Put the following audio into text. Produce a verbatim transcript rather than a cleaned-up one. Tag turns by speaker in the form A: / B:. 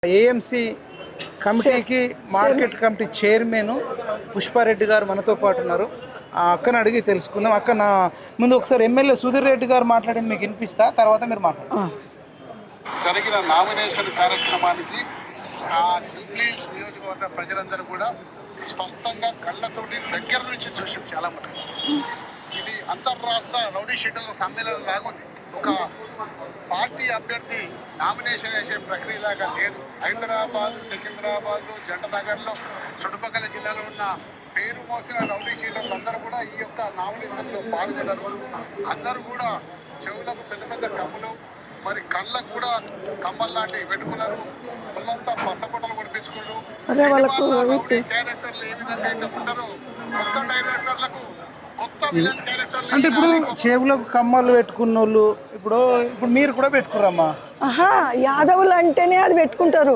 A: AMC కమిటీకి market committee chairman Pushpa Reddy గారు మనతో పాటు ఉన్నారు. ఆ అక్కను అడిగి తెలుసుకుందాం. అక్క, నా ముందు ఒకసారి ఎమ్మెల్యే సుధీర్ రెడ్డి గారు మాట్లాడింది మీకు వినిపిస్తా, తర్వాత మీరు మాట్లాడండి.
B: జరిగిన నామినేషన్ కార్యక్రమానికి ఆ జూబ్లీహిల్స్ నియోజకవర్గ ప్రజలందరూ కూడా స్పష్టంగా కళ్ళతోటి దగ్గర నుంచి చూసాం. చాలా మటుకు ఇది అంతర్రాష్ట్ర రౌడీ షీటర్ల సమ్మేళనం లాగుంది. ఒక పార్టీ అభ్యర్థి నామినేషన్ వేసే ప్రక్రియలాగా లేదు. హైదరాబాద్, సికింద్రాబాద్, జంటనగర్లో చుట్టుపక్కల జిల్లాలో ఉన్న పేరు మోసిన రౌడీ షీటర్లు అందరూ కూడా ఈ యొక్క నామినేషన్లో పాల్గొన్నారు. అందరూ కూడా చెవులకు పెద్ద పెద్ద కమ్ములు, మరి కళ్ళకు కూడా కమ్మలు లాంటివి పెట్టుకున్నారు. వాళ్ళంతా పసపొట్టలు పడిపించుకున్నారు. డైరెక్టర్లు ఏ విధంగా అయితే ఉంటారో కొత్త డైరెక్టర్లకు కొత్త విలన్ డైరెక్టర్లు
A: అంటే ఇప్పుడు చెవులకు కమ్మలు పెట్టుకున్న వాళ్ళు ఇప్పుడు ఇప్పుడు మీరు కూడా పెట్టుకురమ్మా.
C: ఆహా, యాదవులు అంటేనే అది పెట్టుకుంటారు.